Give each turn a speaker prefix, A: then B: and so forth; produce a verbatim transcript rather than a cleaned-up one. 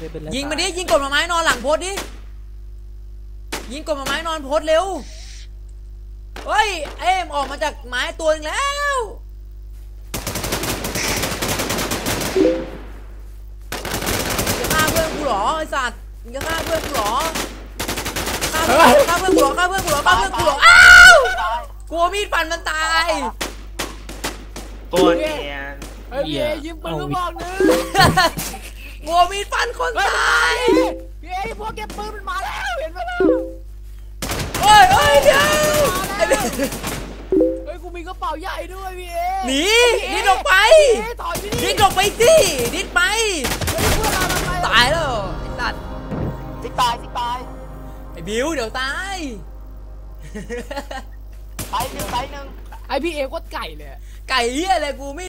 A: ยิงมาดิยิงกดมาไม้นอนหลังโพสดิยิงกดมาไม้นอนโพสเร็วเฮ้ยเอ็มออกมาจากไม้ตัวนึงแล้วจะฆ่าเพื่อนกูหรอไอสัตว์มึงจะฆ่าเพื่อนกูหรอฆ่าเพื่อนฆ่าเพื่อนกูหรอฆ่าเพื่อนกูหรอฆ่าเพื่อนกูหรออ้าวกลัวมีดฟันมันตาย
B: โกนเนียน
C: เฮ้ยพี่เอยิงปืนก็บอกนึง
A: กลัวมีดฟันคนตาย
C: พี่เอพวกเก็บปืนมันมาแล้วเห็นไหมล่ะ
A: โอ้ยโอ้ยเดี๋ยว
C: เฮ้ยกูมีกระเป๋าใหญ่ด้วยพี่เอ
A: หนีดิ้นออกไปดิ้นออกไปสิดิ้นไปตายแล้วไอ้สัตว์
D: ซิกตายซิกตาย
A: ไอ้บิวเดี๋ยวตาย
D: ไปหนึ่งไปหนึ่ง
C: ไอพี่เอโคตรไก่เลย
A: ไก่เหี้ยอะไรกูไม่